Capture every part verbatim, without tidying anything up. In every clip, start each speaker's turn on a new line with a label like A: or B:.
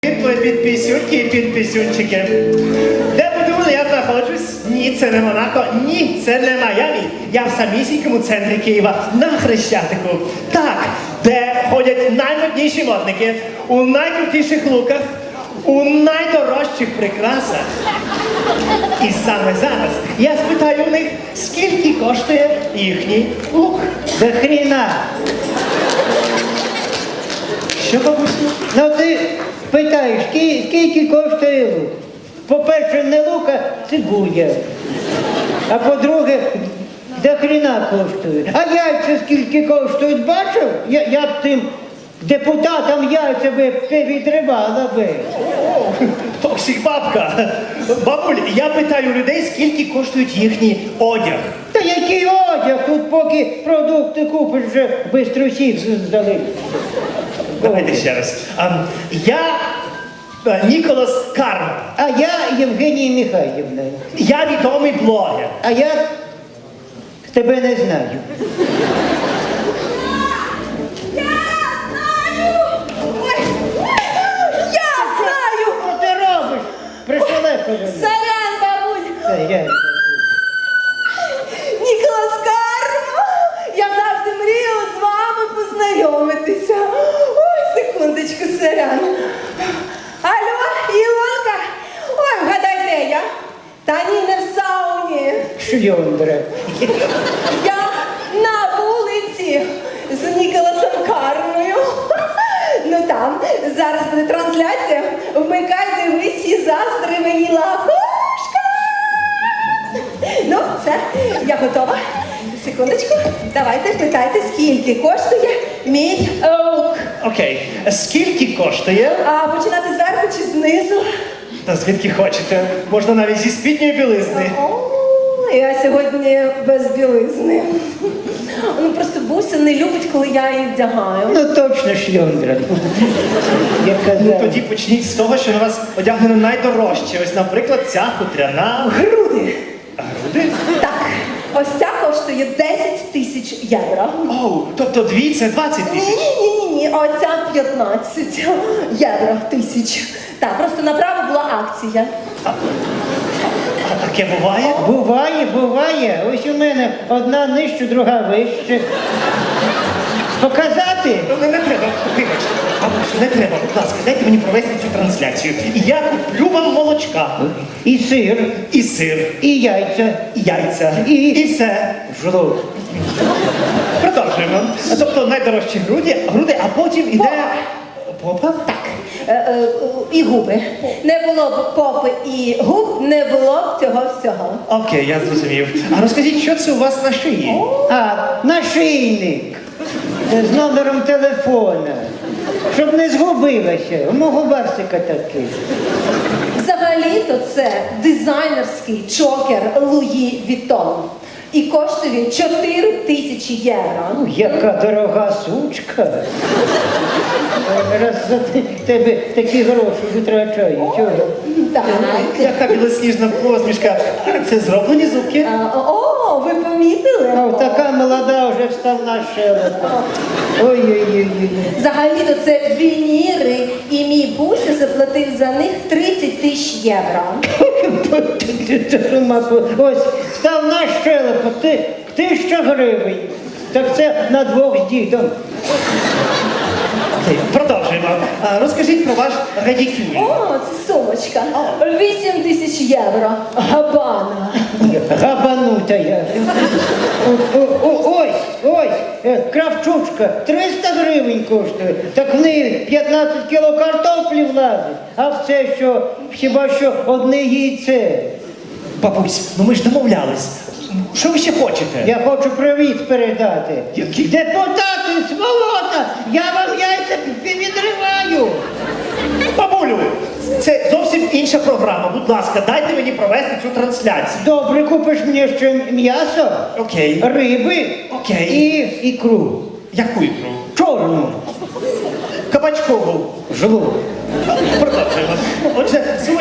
A: Підписюнки і підписюнчики. Де ви думали, я знаходжусь? Ні, це не Монако, ні, це не Майамі. Я в самісінькому центрі Києва, на Хрещатику. Так, де ходять наймодніші модники, у найкрутіших луках, у найдорожчих прикрасах. І саме зараз я спитаю у них, скільки коштує їхній лук.
B: До хріна.
A: Що, бабусю?
B: Ну ти питаєш, ски- скільки коштує лук? По-перше, не лук, а цибуля. А по-друге, до хріна коштує. А яйця скільки коштують, бачив? Я, я б тим депутатам яйця би відривала би.
A: Токсик бабка. Бабуль, я питаю людей, скільки коштують їхній одяг.
B: Та який одяг? Тут поки продукти купиш, вже бистро всіх здали.
A: Давайте ще раз. А, я е, Ніколас Карм.
B: А я Євгенія Михайлівна.
A: Я відомий блогер.
B: А я тебе не знаю.
C: Я знаю!
B: Що ти робиш? Пришелепили.
C: Сорян, бабуль!
B: Це я.
C: Ніколас Карма! Я завжди мріяла з вами познайомитися. Ой, секундочку, сорян. Алло, Ілонка! Ой, вгадай, де я? Та ні, не в сауні.
B: Шльондра.
C: Я на вулиці з Ніколасом Кармою. Ну там, зараз буде трансляція. Вмикай, дивись і заздри мені лахушка. Ну, все, я готова. Секундочку, давайте питайте, скільки коштує мій лук.
A: Окей. Скільки коштує?
C: А починати зверху чи знизу?
A: Та звідки хочете? Можна навіть зі спідньої білизни.
C: О, я сьогодні без білизни. Ну просто Буся не любить, коли я її вдягаю.
B: Ну точно шльондра. Я
A: Ну
B: казав.
A: тоді почніть з того, що на вас одягнено найдорожче. Ось, наприклад, ця хутряна.
C: Груди.
A: Груди?
C: Так, ось ця коштує десять тисяч євро.
A: Оу, тобто дві це двадцять тисяч.
C: Ні-ні-ні, а оця п'ятнадцять євро тисяч. Так, просто направо була акція.
A: А таке буває?
B: Буває, буває. Ось у мене одна нижче, друга вище. Показати?
A: Ну, не, не треба, вибачте. Бабусю, не треба, будь ласка, дайте мені провести цю трансляцію. І я куплю вам молочка.
B: І сир,
A: І сир,
B: і яйця,
A: і яйця,
B: І-
A: і все.
B: жлоб.
A: Продовжуємо. Тобто найдорожчі груди, груди, а потім іде... Попа?
C: Так, е, е, і губи. Не було б попи і губ, не було б цього всього.
A: Окей, я зрозумів. А розкажіть, що це у вас на шиї?
B: А, нашийник з номером телефона. Щоб не згубилася. У мого барсика такий.
C: Взагалі-то це дизайнерський чокер Луї Вітон. І коштує він чотири тисячі євро.
B: Ну, яка дорога сучка. Раз за те- тебе такі гроші витрачаю. Чого?
C: Так.
A: Яка білосніжна посмішка. Це зроблені зубки?
C: А, О, ви помітили?
B: А така молода вже вставна щелепа. Ой-ой-ой.
C: Взагалі-то це вініри, і мій Буся заплатив за них тридцять тисяч євро.
B: Ось, вставна щелепа, ти, тисяча гривень. Так це на двох з дідом.
A: Окей, продовжуємо. А, розкажіть про ваш радікюль.
C: О, це сумочка. вісім тисяч євро. Габана.
B: Габанута я. О- о- о- Ось, ось, е, кравчучка, триста гривень коштує. Так в неї п'ятнадцять кіло картоплі влазить. А в це що, хіба що одне яйце.
A: Бабусь, ну ми ж домовлялись. Що ви ще хочете?
B: Я хочу привіт передати.
A: Який?
B: Депутати, сволота, я вам яйця відриваю.
A: Бабулю, це зовсім інша програма. Будь ласка, дайте мені провести цю трансляцію.
B: Добре, купиш мені ще м'ясо,
A: Окей.
B: риби
A: Окей.
B: і ікру.
A: Яку ікру?
B: Чорну.
A: Кабачкову.
B: Жлоб.
A: Продовжуємо. Отже, сумочка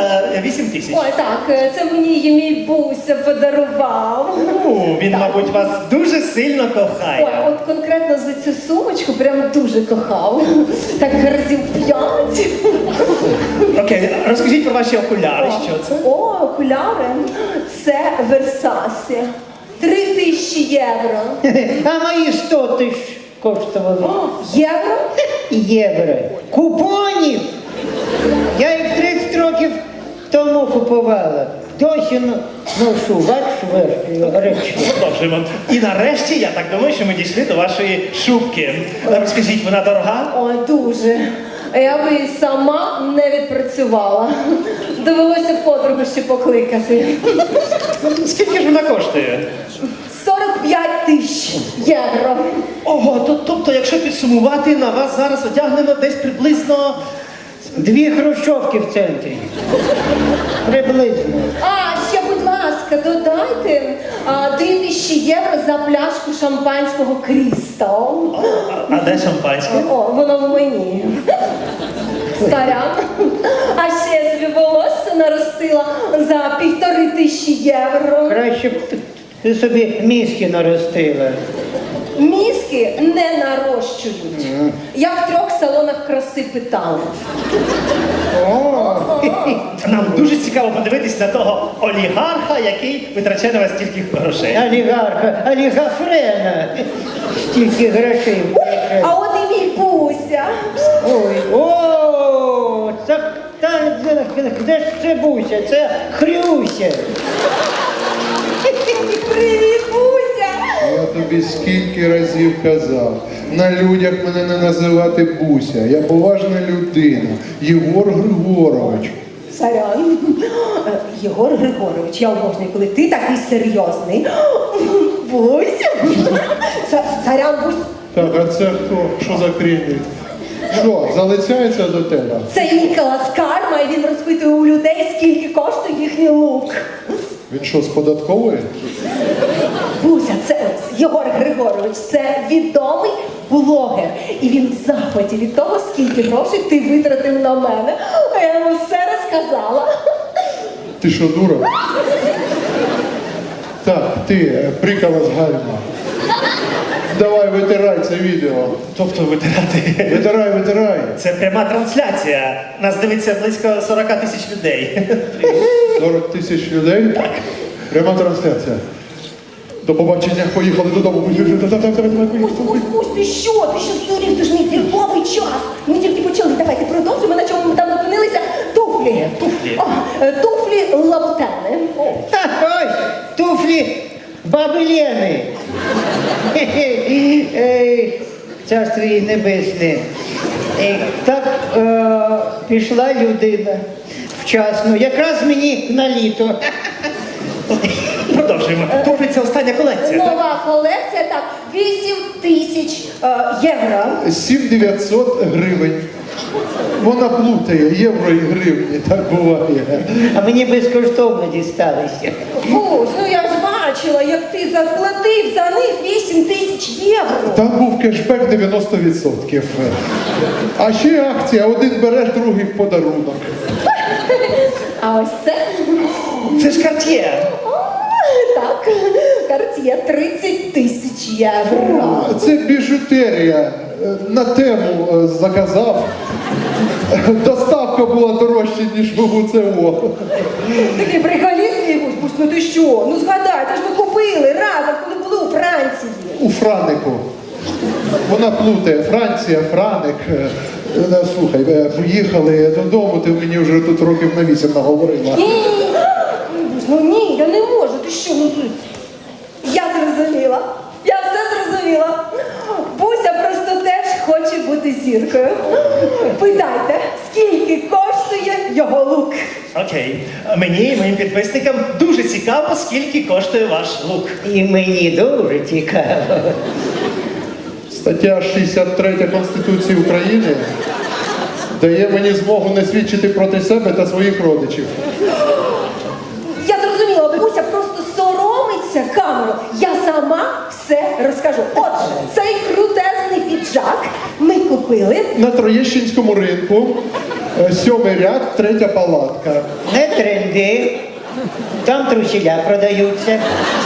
A: е, вісім тисяч.
C: Ой, так, е, це мені її мій Буся подарував.
A: Ну, він,
C: Так.
A: мабуть, вас дуже сильно
C: Ой,
A: кохає.
C: от конкретно за цю сумочку прям дуже кохав. Так разів п'ять.
A: Окей, розкажіть про ваші окуляри, що це?
C: О, окуляри. Це Версасі. Три тисячі євро.
B: А мої сто тисяч коштували.
C: О, євро?
B: Євро. Купонів! Я їх тридцять років тому купувала. Досі но- ношу, бачиш, речі.
A: Продовжуємо. І нарешті, я так думаю, що ми дійшли до вашої шубки. Розкажіть, вона дорога?
C: Ой, дуже. Я би і сама не відпрацювала. Довелося подругу ще покликати.
A: Скільки ж вона коштує?
C: сорок п'ять тисяч євро.
A: Ого, то, тобто, якщо підсумувати, на вас зараз одягнено десь приблизно...
B: Дві хрущовки в центрі. Приблизно.
C: А, ще, будь ласка, додайте а, три тисячі євро за пляшку шампанського Крістал.
A: А, а де шампанське?
C: О, воно в мені. Сорян. А ще я собі волосся наростила за півтори тисячі євро.
B: Краще б ти собі мізки наростила.
C: Мізки не нарощують. Я в трьох салонах краси питала.
B: О,
A: Нам дуже цікаво подивитись на того олігарха, який витрачає на вас стільки грошей.
B: олігарха, олігафрена. Стільки грошей.
C: А от і мій Буся.
B: Ой, о, це, та, де- де ж це Буся? Це Хрюся.
C: Привіт, Буся!
D: Я тобі скільки разів казав, на людях мене не називати Буся. Я поважна людина. Єгор Григорович.
C: Сорян. Е, Єгор Григорович, я обожнюю, коли ти такий серйозний. Буся. Са- Сорян, Бусь.
D: Так, а це хто? Що за крінь? Що, залицяється до тебе?
C: Це Ніколас Карма, і він розпитує у людей, скільки коштує їхній лук.
D: Він що, з податкової?
C: Буся, це Єгор Григорович, це відомий блогер. І він в захваті від того, скільки грошей ти витратив на мене. А я йому все розказала.
D: Ти що, дура? Так, ти, прикола з гальма. Давай, витирай це відео.
A: Тобто витирати.
D: Витирай, витирай.
A: Це пряма трансляція. Нас дивиться близько сорок тисяч людей.
D: сорок тисяч людей? Так. Пряма трансляція. До побачення, поїхали додому.
C: Бусь, Бусь, Бусь, ти що? Ти що здурів? Це ж мій зірковий час. Ми тільки почали. Давайте продовжимо, на чому ми там зупинилися. Туфлі.
A: Туфлі.
C: О, е, туфлі лабутени. О.
B: Ха, ось, туфлі баби Лени. Хе-хе. Ей, Царство їй небесне. Ей, Так е, пішла людина вчасно, якраз мені на літо.
A: Продовжуємо. Туфлі це остання колекція. так?
C: Нова колекція, так, вісім тисяч е, євро.
D: сім дев'ятсот гривень. Вона плутає євро і гривні, так буває.
B: А мені безкоштовно дісталися.
C: Бусь, ну я ж бачила, як ти заплатив за них вісім тисяч євро.
D: Там був кешбек дев'яносто відсотків. А ще акція, один береш, другий в подарунок.
C: А ось це,
A: Це ж Cartier.
C: о, так, Cartier тридцять тисяч євро.
D: Це біжутерія. На тему е, заказав. Доставка була дорожча, ніж в УЦО.
C: Такий приколіст, мій Бусь, Бусь, ну ти що? Ну згадай, це ж ми купили разом, коли були у Франції.
D: У Франику. Вона плутає. Франція, Франик. Е, е, Слухай, е, поїхали додому, ти мені вже тут років на вісім наговорила.
C: Ні, ні, ні, Бусь, ну ні, я не можу, ти що? Ну, ти- я зрозуміла, я все зрозуміла. Буся просто теж хоче бути зіркою. Питайте, скільки коштує його лук?
A: Окей. Мені і моїм підписникам дуже цікаво, скільки коштує ваш лук.
B: І мені дуже цікаво.
D: Стаття шістдесят три Конституції України дає мені змогу не свідчити проти себе та своїх родичів.
C: Я зрозуміла, бабуся просто соромиться камеру. Я сама все розкажу. Отже, цей крутезний піджак ми купили.
D: На Троєщинському ринку Е, Сьомий ряд, третя палатка.
B: Не тренди. Там трусіля продаються.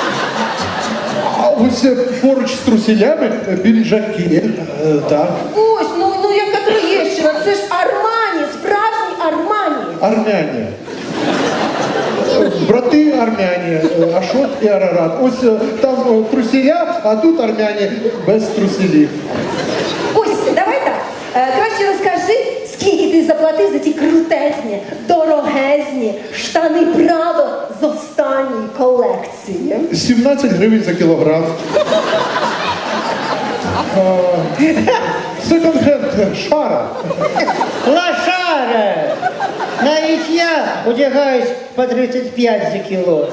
D: А ось е, поруч з трусілями е, піджаки. Е, Так.
C: Ось, ну, ну яка Троєщина, це ж Армані, справжній Армані.
D: Армяні. Е, Брати армяні, е, Ашот і Арарат. Ось е, там е, трусіля, а тут армяні без трусілів.
C: Ось, давай так. Е, краще розкажи, скільки ти заплатив за ті крутезні, дорогезні штани Прадо з останньої колекції.
D: сімнадцять гривень за кілограм. Секонд-хенд шара.
B: Лошара! Навіть я одягаюсь по тридцять п'ять за кіло.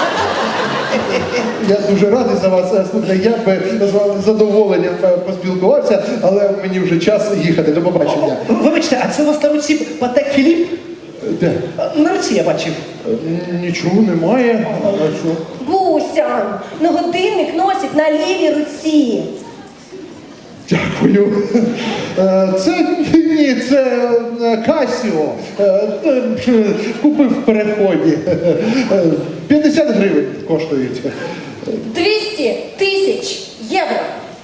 D: Я дуже радий за вас. Е, Слухайте, я би з вами з задоволенням е, поспілкувався, але мені вже час їхати. До побачення.
A: Вибачте, а це у вас на руці Патек Філіп?
D: Де?
A: На руці я бачив.
D: Е, Нічого немає. А що?
C: Буся, ну годинник носить на лівій руці.
D: Дякую. Е, Це ні, це е, Касіо. Е, е, Купив в переході. Е, п'ятдесят гривень коштують.
C: двісті тисяч євро.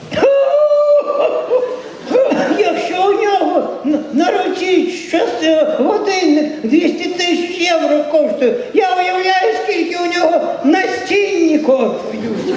B: Якщо у нього на- на руці щось е, годинник двісті тисяч євро коштує, я уявляю, скільки у нього настінні коштують.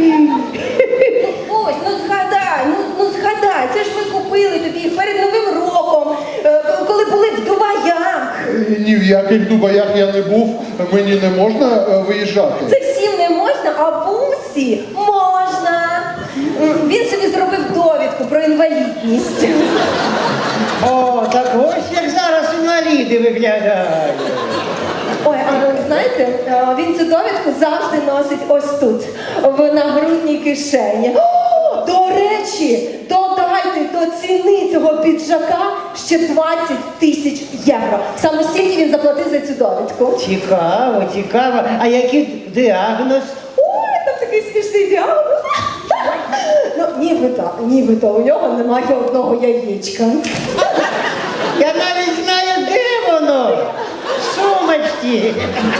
C: Ось, ну згадай, ну, ну згадай, це ж ми купили тобі їх перед Новим роком, е, коли були в Дубаях.
D: Ні в яких Дубаях я не був, мені не можна е, виїжджати.
C: Це всім не можна, а Бусі можна. М, Він собі зробив довідку про інвалідність.
B: О, так ось як зараз інваліди виглядають.
C: Ой, а ви знаєте, е, він цю довідку завжди носить ось тут, в нагрудній кишені. О, до речі, додайте до ціни цього піджака ще двадцять тисяч євро. Саме стільки він заплатив за цю довідку.
B: Цікаво, цікаво. А який діагноз?
C: Ой, там такий смішний діагноз. Ну, нібито, нібито у нього немає одного яєчка.
B: Я навіть знаю, де воно. В сумочці.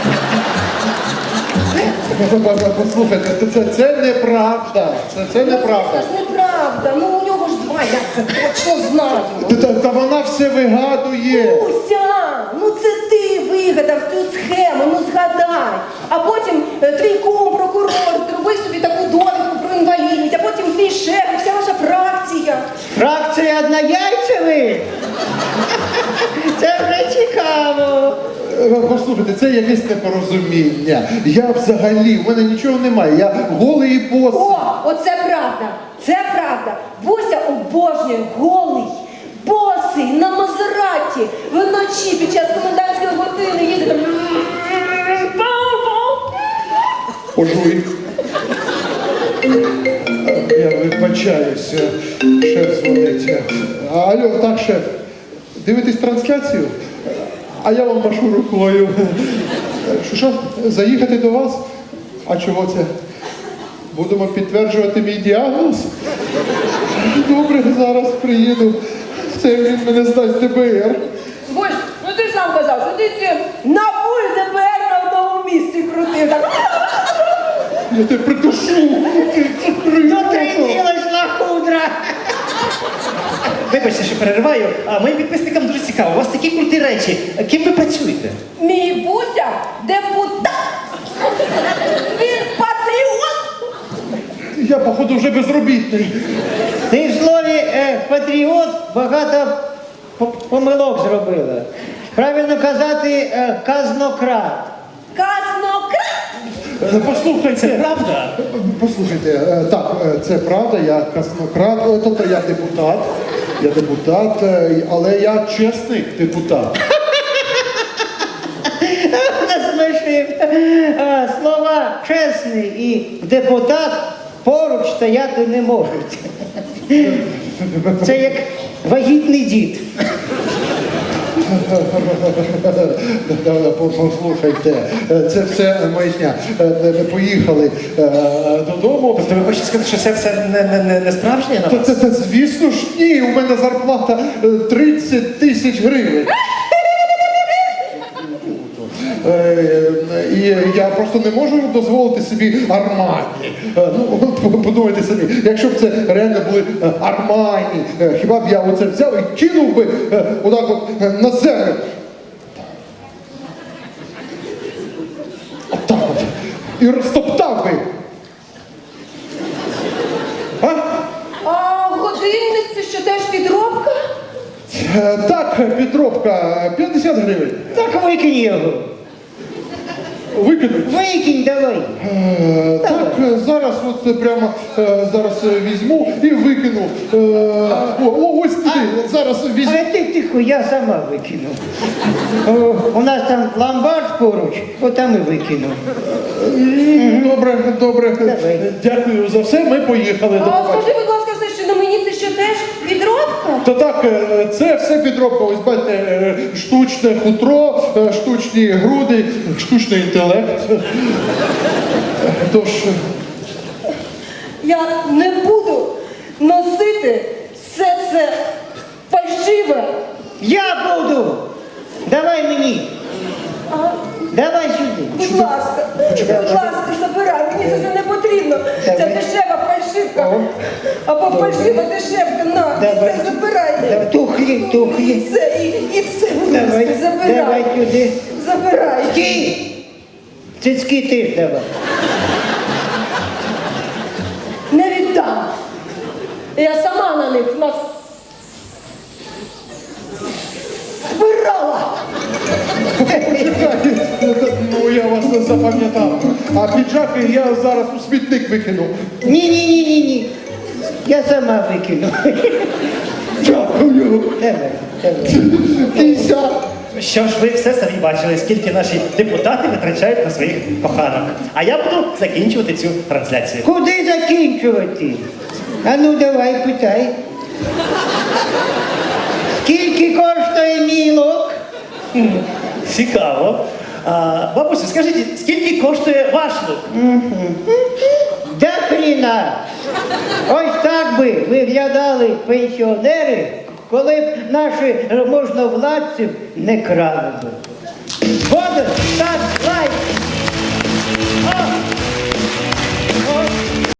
D: Послухайте, це, це, це неправда. Це, це неправда.
C: Це ж неправда. Ну у нього ж два, я це точно знаю.
D: Та, та, та вона все вигадує.
C: Уся, ну це ти вигадав цю схему, ну згадай. А потім е, твій кум, прокурор, зробив собі таку довідку про інвалідність, а потім твій шеф, і вся ваша фракція.
B: Фракція однояйцевих? Це вже цікаво.
D: Е, Послухайте, це якесь непорозуміння. Я взагалі, в мене нічого немає. Я голий і босий.
C: О, оце правда, це правда. Буся обожнює голий, босий, на Мазераті, вночі під час комендантської години їздить. там.
D: Пожуй. Я вибачаюся. Шеф дзвонить. Алло, так, шеф. Дивитесь трансляцію? А я вам машу рукою. Що, що? Заїхати до вас? А чого це? Будемо підтверджувати мій діагноз? Добре, зараз приїду. Це він мене здасть ді би ер.
C: Боже, ну ти ж сам казав, що ти ці на пульт ді би ер на одному місці крутив. Так.
D: Я тебе придушу.
B: Дотриділась лахудра.
A: Вибачте, що перериваю, а моїм підписникам дуже цікаво. У вас такі круті речі. Ким ви працюєте?
C: Мій Буся депутат. Він патріот.
D: Я, походу, вже безробітний.
B: Ти в слові е, патріот багато по- помилок зробила. Правильно казати е, казнократ.
C: Казнократ.
D: Е, Послухайте.
A: Це правда?
D: Послухайте, е, так, е, це правда, я казнократ, е, тобто я депутат, я депутат, е, але я чесний депутат.
B: Насмішив. Е, Слова чесний і депутат поруч стояти не можуть. Це як вагітний дід.
D: Послухайте, е, це все маячня. Е, е, Поїхали е, додому.
A: Тобто ви хочете сказати, що це все не, не, не, не справжнє на
D: Та,
A: вас?
D: та, та, звісно ж, ні, у мене зарплата е, тридцять тисяч гривень. я просто не можу дозволити собі Армані. Е, Ну, от подумайте самі, якщо б це реально були е, Армані, е, хіба б я оце взяв і кинув би е, отак от е, на землю. Отак от. І розтоптав би. А?
C: А годинник це що теж підробка?
D: Е, Так, підробка, п'ятдесят гривень.
B: Так викинь його.
D: Викинуть.
B: Викинь давай.
D: Е, Так, е, зараз от е, прямо е, зараз е, візьму і викину. Е, О, о, ось туди, зараз візьму.
B: А ти тихо, я сама викину. О, у нас там ломбард поруч, отам і викину.
D: М, Добре, добре.
B: Давай.
D: Дякую за все. Ми поїхали. До
C: А
D: побачення.
C: скажи, будь ласка, все, що на мені це що теж підробка?
D: Та так, е, це все підробка. Ось бачите, е, штучне хутро, е, штучні груди, штучний інтелект. Е, Тож, е,
C: Я не буду носити все це фальшиве.
B: Я буду! Давай мені!
C: А,
B: Давай сюди!
C: будь ласка, будь ласка, забирай, мені це все не потрібно. Це
B: Давай.
C: дешева фальшивка.
B: О.
C: Або фальшива дешевка, на, і
B: Давай.
C: це забирай.
B: Давай, тухлі,
C: І
B: тухлі.
C: це, і, і це, будь
B: Давай,
C: ласка, забирай.
B: давай сюди.
C: Забирай.
B: Ті! Цицьки теж давай.
C: Не віддам. Я сама на них нас збирала.
D: чекайте, ну я вас не запам'ятав. А піджаки я зараз у смітник викину.
B: Ні-ні-ні-ні-ні. Я сама викину.
D: Дякую.
B: Давай, давай.
D: Кися.
A: Що ж, ви все самі бачили, скільки наші депутати витрачають на своїх коханок. А я буду закінчувати цю трансляцію.
B: Куди закінчувати? А ну давай, питай. Скільки коштує мій лук?
A: Цікаво. А, бабусю, скажіть, скільки коштує ваш лук?
B: Да хріна! Ось так би виглядали пенсіонери, коли б наші можновладці не крали би. Згоден? Так.